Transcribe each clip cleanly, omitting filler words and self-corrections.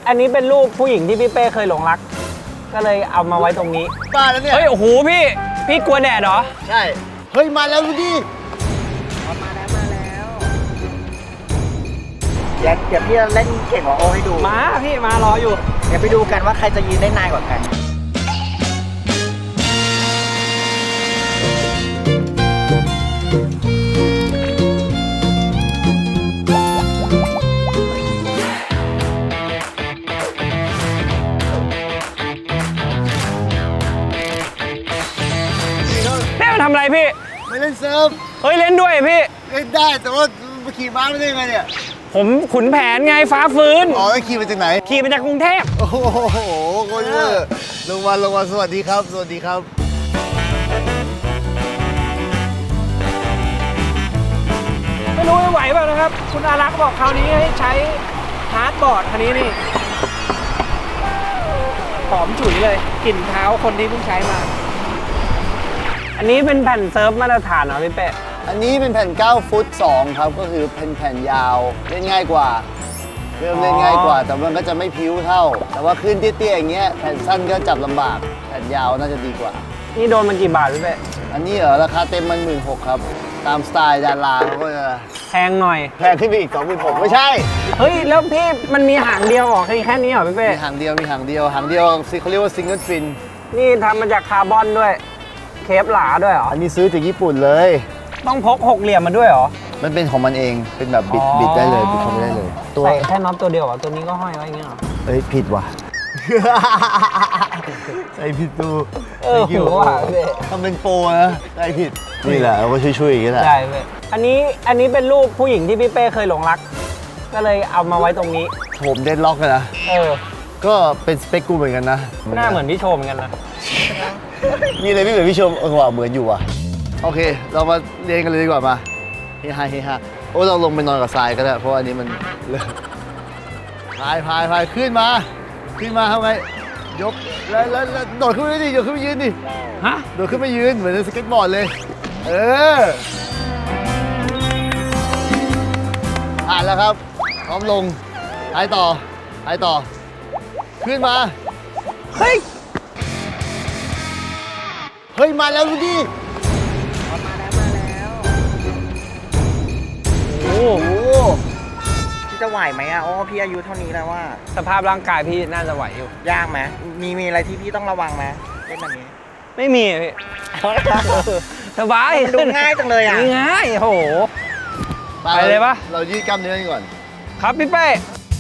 อันนี้เป็นรูปผู้หญิงที่พี่เป้เคยหลงรักก็เลยเอามาไว้ตรงนี้บ้าแล้วเนี่ยเฮ้ยโอ้โหพี่กลัวแดดเหรอใช่เฮ้ยมาแล้วดูดิมาแล้วเดี๋ยวพี่เล่นเก่งกว่าโอให้ดูมาพี่มารออยู่เดี๋ยวไปดูกันว่าใครจะยืนได้นานกว่ากันทำอะไรพี่ไม่เล่นเซิร์ฟเฮ้ยเล่นด้วยพี่เล่นได้แต่ว่าขี่ม้าไม่ได้ยังไงเนี่ยผมขุนแผนไงฟ้าฟื้นอ๋อขี่มาจากไหนขี่มาจากกรุงเทพโอ้โหโคตรเวอร์ลงมาสวัสดีครับสวัสดีครับไม่รู้จะไหวเปล่านะครับคุณอารักษ์บอกคราวนี้ให้ใช้ฮาร์ดบอร์ดคันนี้นี่หอมฉุยเลยกลิ่นเท้าคนที่เพิ่งใช้มาอันนี้เป็นแผ่นเซิร์ฟมาตรฐานเหรอพี่เป้อันนี้เป็นแผ่น9ฟุต2ครับก็คือเป็นแผ่นยาวเล่นง่ายกว่าเริ่มเล่นง่ายกว่าแต่มันก็จะไม่พิ้วเท่าแต่ว่าขึ้นเตี้ยๆอย่างเงี้ยแผ่นสั้นก็จับลำบากแผ่นยาวน่าจะดีกว่านี่โดนมันกี่บาทพี่เป้อันนี้เหรอราคาเต็มมัน16,000ครับตามสไตล์ดาราเขาก็จะแพงหน่อยแพงขึ้นไปอีก26,000ไม่ใช่เฮ้ยแล้วพี่มันมีหางเดียวหรอแค่นี้เหรอพี่เป้มีหางเดียวเขาเรียกว่าซิงเกิลฟินนี่ทำมาจากคาร์บอนด้วยเคฟหลาด้วยเหรออันนี้ซื้อจากญี่ปุ่นเลยต้องพก6เหลี่ยมมาด้วยเหรอมันเป็นของมันเองเป็นแบบบิดได้เลยบิดเข้าไปได้เลยตัวใส่แค่น็อตตัวเดียวเหรอตัวนี้ก็ห้อยไว้อย่างเงี้ยเหรอเฮ้ยผิดว่ะใส่ผิดตัวหัวว่ะเว้ยทำเป็นโปรนะใส่ผิดนี่แหละเราก็ช่วยๆอย่างนี้แหละใช่เว้ยอันนี้เป็นรูปผู้หญิงที่พี่เป้เคยหลงรักก็เลยเอามาไว้ตรงนี้ผมเดนล็อกเลยนะก็เป็นสเปคกูเหมือนกันนะหน้าเหมือนพี่โชมเหมือนกันนะมีอะไรไม่เหมือนพี่ชมว่าเหมือนอยู่อ่ะโอเคเรามาเรียนกันเลยดีกว่ามาเฮ้ยโอ้เราลงไปนอนกับทรายก็ได้เพราะอันนี้มันพายขึ้นมาทำไงยกแล้วโดดขึ้นไปดิโดดขึ้นไปยืนดิฮะโดดขึ้นไปยืนเหมือนสเก็ตบอร์ดเลยผ่านแล้วครับพร้อมลงพายต่อขึ้นมาเฮ้ยมาแล้วดูดิมาแล้วโอ้โหพี่จะไหวไหมอ่ะโอ้พี่อายุเท่านี้แล้วว่าสภาพร่างกายพี่น่าจะไหวอยู่ยากไหมมีอะไรที่พี่ต้องระวังไหมเล่นแบบนี้ไม่มีพี่สบายดูง่ายจังเลยอ่ะง่ายโอ้โหไปเลยปะเรายืดกล้ามเนื้อก่อนครับพี่เป้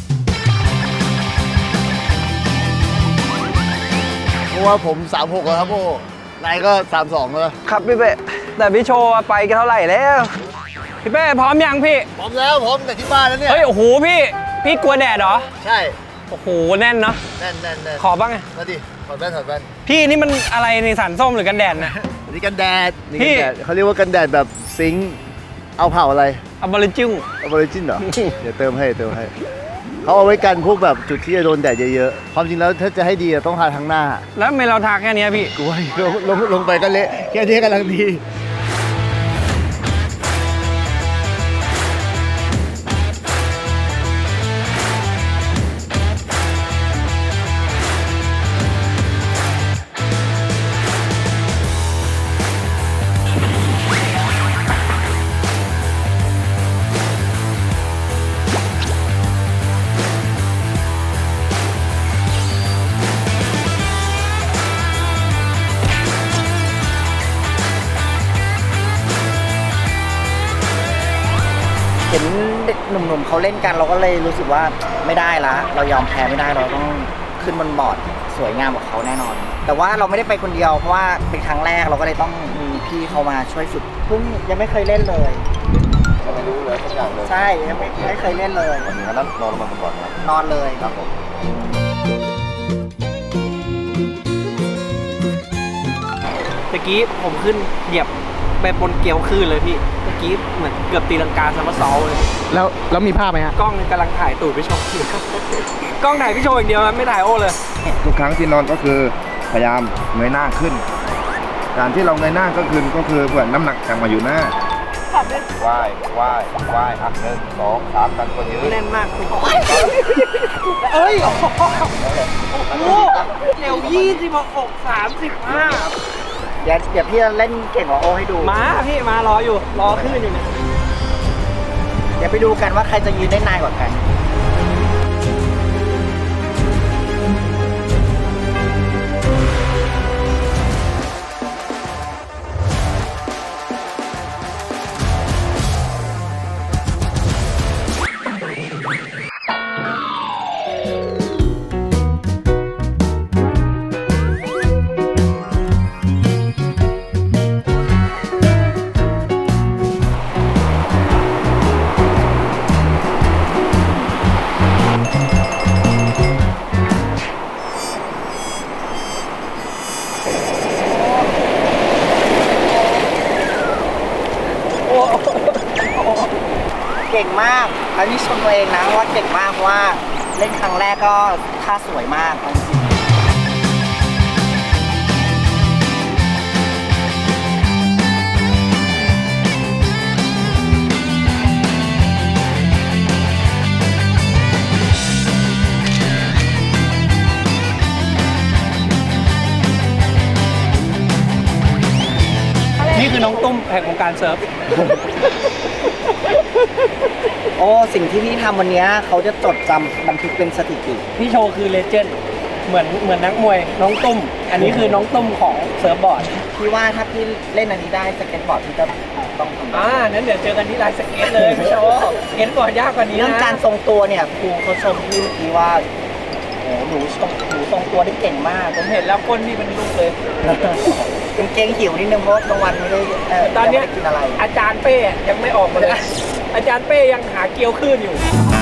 เพราะว่าผม36แล้วครับโอ้นายก็32แล้วครับพี่เป้แต่พี่โชว์ไปเท่าไหร่แล้วพี่เป้พร้อมยังพี่พร้อมแล้วพร้อมแต่ที่บ้านแล้วเนี่ยเฮ้ยโอ้โหพี่กลัวแดดเหรอใช่โอ้โหแน่นเนาะแน่นขอบ้างไงมาดิถอดแว่นพี่นี่มันอะไรในสารส้มหรือกันแดดนะนี่กันแดดเขาเรียกว่ากันแดดแบบซิงค์เอาเผาอะไรอบอริจินเหรอเดี๋ยวเติมให้เขาเอาไว้กันพวกแบบจุดที่จะโดนแดดเยอะๆความจริงแล้วถ้าจะให้ดีต้องทาทั้งหน้าแล้วไม่เราทาแค่นี้พี่กูว่าลงไปก็เละแค่นี้กำลังดีเห็นเด็กหนุ่มๆเขาเล่นกันเราก็เลยรู้สึกว่าไม่ได้ละเรายอมแพ้ไม่ได้เราต้องขึ้นบนบอร์ดสวยงามกว่าเขาแน่นอนแต่ว่าเราไม่ได้ไปคนเดียวเพราะว่าเป็นครั้งแรกเราก็เลยต้องมีพี่เขามาช่วยฝึกเพิ่งยังไม่เคยเล่นเลยไม่รู้เลยสักอย่างเลยใช่ยังไม่เคยเล่นเลยวันนี้ก็นอนลงมาก่อนครับนอนเลยครับผมตะกี้ผมขึ้นเหยียบไปบนเกลียวคลื่นเลยพี่เมื่อกี้เหมือนเกือบตีลังกาซัมเมอร์ซอลเลยแล้วมีภาพไหมฮะกล้องกำลังถ่ายตูดพี่โชว์กล้องถ่ายพี่โชว์อย่างเดียวไม่ถ่ายโอ้เลยทุกครั้งที่นอนก็คือพยายามเงยหน้าขึ้นการที่เราเงยหน้าก็คือเหมือนน้ำหนักจะมาอยู่หน้าขับได้ว่ายว่ายว่ายอ่ะ1 2 3กันตัวยืนแน่นมากคุณเอ้ย โอ้โหเร็ว26 35 เดี๋ยวพี่เล่นเก่งกว่าโอให้ดูมาพี่มารออยู่ รอขึ้นอยู่เนี่ยเดี๋ยวไปดูกันว่าใครจะยืนได้นานกว่ากัน เก่งมาก อันนี้ชมตัวเองนะว่าเก่งมากเพราะว่าเล่นครั้งแรกก็ท่าสวยมากเอาจริงนี่คือน้องตุ้มแห่งวงการเซิร์ฟโอ้สิ่งที่พี่ทำวันนี้เขาจะจดจำบันทึกเป็นสถิติพี่โชว์คือเลเจนด์เหมือนนักมวยน้องตุ้ม อันนี้คือน้องตุ้มของเซิร์ฟบอร์ดพี่ว่าถ้าพี่เล่นอันนี้ได้สเก็ตบอร์ดพี่จะต้องทำได้นั้นเดี๋ยวเจอกันที่ลานสเก็ตเลยพี่โชว์สเก็ตบอร์ดยากกว่านี้เรื่องนะการทรงตัวเนี่ยครูเขาชมพี่เมื่อกี้ว่าโอ้หนูทรงตัวได้เก่งมากผมเห็นแล้วก้นพี่เป็นลูกเลยกางเกงหิวนิดนึงเพราะกลางวันไม่ได้ตอนเนี้ยยังไม่ได้กินอะไรอาจารย์เป้ยังไม่ออกมาเลย อาจารย์เป้ยังหาเกลียวขึ้นอยู่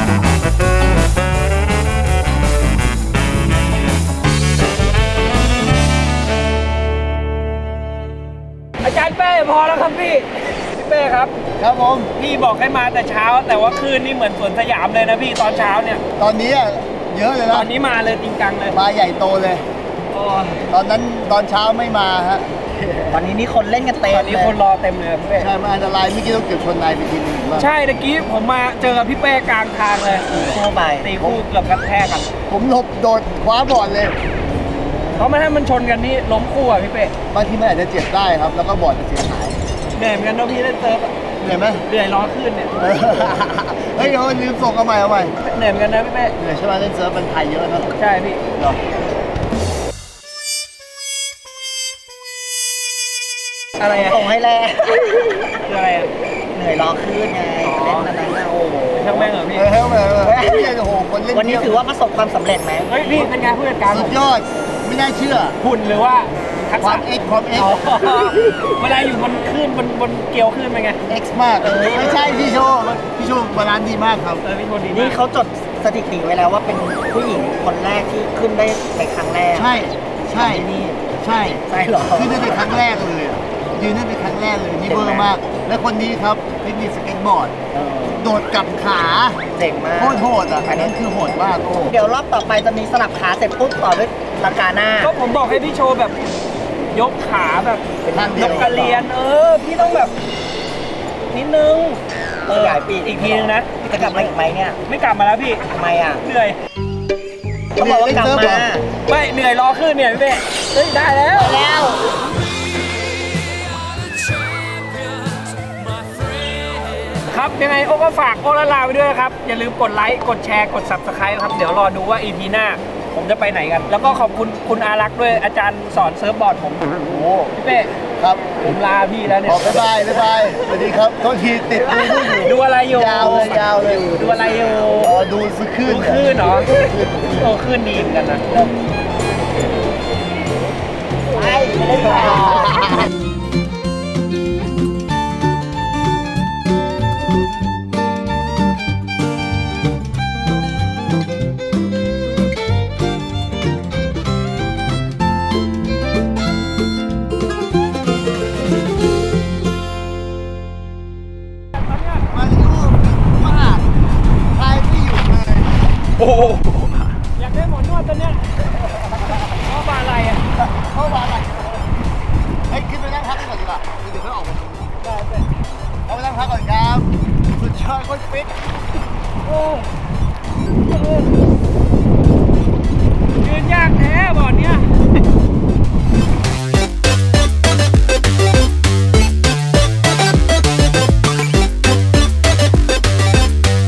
อาจารย์เป้พอแล้วครับพี่เป้ครับครับผมพี่บอกให้มาแต่เช้า แต่ว่าคืนนี่เหมือนสวนสยามเลยนะพี่ตอนเช้าเนี่ยตอนนี้อะเยอะเลยตนะอนนี้มาเลยจริงจังเลยมาใหญ่โตเลยโอ้ยตอนนั้นตอนเช้าไม่มาฮะวันนี้นี่คนเล่นกันเต็มตอนนี้เลยคนรอเต็มเลยพี่เป้ใช่มันอันตรายเมื่อกี้ต้องเกือบชนนายไปทีนึงว่าใช่ตะกี้ผมมาเจอกับพี่เป้กลางทางเลยคู่ไปตีคู่เกือบกระแทกกันผมหลบโดดคว้าบอร์ดเลยเพราะไม่ให้มันชนกันนี่ล้มคู่อ่ะพี่เป้บางทีมันอาจจะเจ็บได้ครับ แล้วก็บอร์ดจะเสียหายเหนื่อยเหมือนกันเนอะพี่เล่นเซิร์ฟอะเหนื่อยไหมเหนื่อยล้อขึ้นเนี่ยเออเฮ้ยเดี๋ยวลืมส่งเอาใหม่เอาใหม่เหนื่อยเหมือนกันนะพี่เป้เหนื่อยใช่ไหมเล่นเซิร์ฟมันไทยเยอะนะใช่พี่เนาะอะไรอ่ะส่งให้แล้วคืออะไรอ่ะเหนื่อยรอขึ้นไงเล่นอันนั้นนะโอ้โหช่างแม่งเหรอพี่เฮ้ยเนี่ยโอ้โหคนเล่นวันนี้ถือว่าประสบความสำเร็จไหมเฮ้ยพี่เป็นไงผู้จัดการสุผดมยอด ไม่น่าเชื่อหุ่นหรือว่าทักควาษะมเอ็กความเอ็กอ๋อเวลาอยู่บนคลื่นบนเกลียวคลื่นเป็นไงเอ็กมากไม่ใช่พี่โชว์พี่โชว์บาลานซ์ดีมากครับพี่โชดีนี่มากเขาจดสถิติไว้แล้วว่าเป็นผู้หญิงคนแรกที่ขึ้นได้ในครั้งแรกใช่ใช่ที่นี่ใช่ใช่เหรอคือนั่นเป็นครั้งแรกเลยอะยืนนั่นเป็นครั้งแรกเลยนี่เบอร์มาก และคนนี้ครับเทคนิคสเก็ตบอร์ดเออโดดกลับขาเจ๋งมากโคตรโหดอ่ะอันนั้นคือโหดมากโอ้เดี๋ยวรอบต่อไปจะมีสลับขาเสร็จปุ๊บต่อด้วยลังกาหน้าก็ผมบอกให้พี่โชว์แบบ ยกขาแบบเป็นท่านเดียยวกกระเรียน พี่ต้องแบบนิดนึงขยายปีกอีกทีนึงนะจะกลับมาอีกไหมเนี่ยไม่กลับมาแล้วพี่ทำไมอ่ะเหนื่อยเขาบอกว่ากลับมาไม่เหนื่อยรอขึ้นเนี่ยพี่เป้เฮ้ยได้แล้วแล้วครับยังไงโอ้ก็ฝากโอละลาไปด้วยนะครับ อย่าลืมกดไลค์กดแชร์กด Subscribe ครับ เดี๋ยวรอดูว่า EP หน้า ผมจะไปไหนกัน แล้วก็ขอบคุณคุณอารักษ์ด้วยอาจารย์สอนเซิร์ฟบอร์ดผมโอ้โหพี่เป้ครับผมลาพี่แล้วเนี่บยอกบ๊ายบายบ๊ายบายสวัสดีครับโทษทีติดดูนู่นอยู่ดูอะไรอยู่ยาวเลยยาวเลยดูอะไรอยู่อ๋อดูซื้อคลื่นดูคลื่นเหรอโอ้คลื่นดีเหมือนกันนะไปไม่ได้ต่อมาริโอ้มากทายไม่หยุดเลยโอ้อยากได้หมอนวดตัวเนี้ยเพราะว่าอะไรอ่ะเข้ามาอะไรเฮ้ยขึ้นไปนั่งพักกันก่อนดีกว่าเดี๋ยวค่อยออกมาได้เอาไปนั่งพักจอยคนฟิต